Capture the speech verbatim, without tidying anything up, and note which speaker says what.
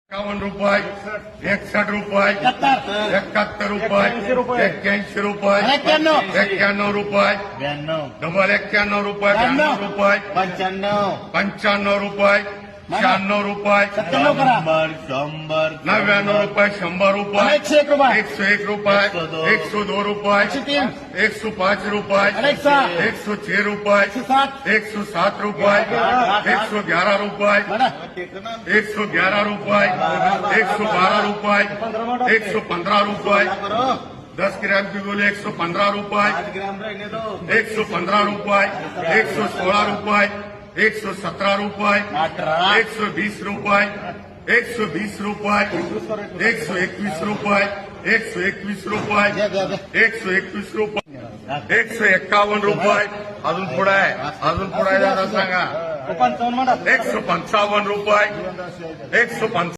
Speaker 1: एकावन्न रुपये एकसठ रुपये एकाहत्तर रुपये एक्क्याऐंशी रुपये एक्क्याण्णव रुपये डबल एक्क्याण्णव रुपये ब्याण्णव रुपये
Speaker 2: पंच्याण्णव
Speaker 1: पंच्याण्णव रुपये शहाण्णव रुपये
Speaker 2: शंभर शंभर
Speaker 1: नव्याण्णव रुपये शंभर रुपये
Speaker 2: एकशे एक रुपये
Speaker 1: एक सौ एक रुपये एक सौ दो रुपये एक सौ पाँच रुपये एक सौ छह रुपये एक सौ सात रुपये एक सौ ग्यारह रुपये एक सौ ग्यारह रुपये एक सौ बारह रुपये एक सौ पंद्रह रुपये दस ग्राम की गोली एक सौ पंद्रह रुपये एक सौ पंद्रह रुपये एक सौ सोलह रुपये एक सौ सत्रह रुपये एक सौ बीस रुपये एक सौ बीस रुपये एक सौ इक्कीस रुपये एक सौ इक्कीस रुपये एक सौ इक्कीस रुपये एक सौ एक्कावन्न रुपये अजून पुढे आहे अजून पुढे दादा सांगा
Speaker 2: पंचावन्न
Speaker 1: एक सौ पंचावन्न रुपये एक सौ पंचावन्न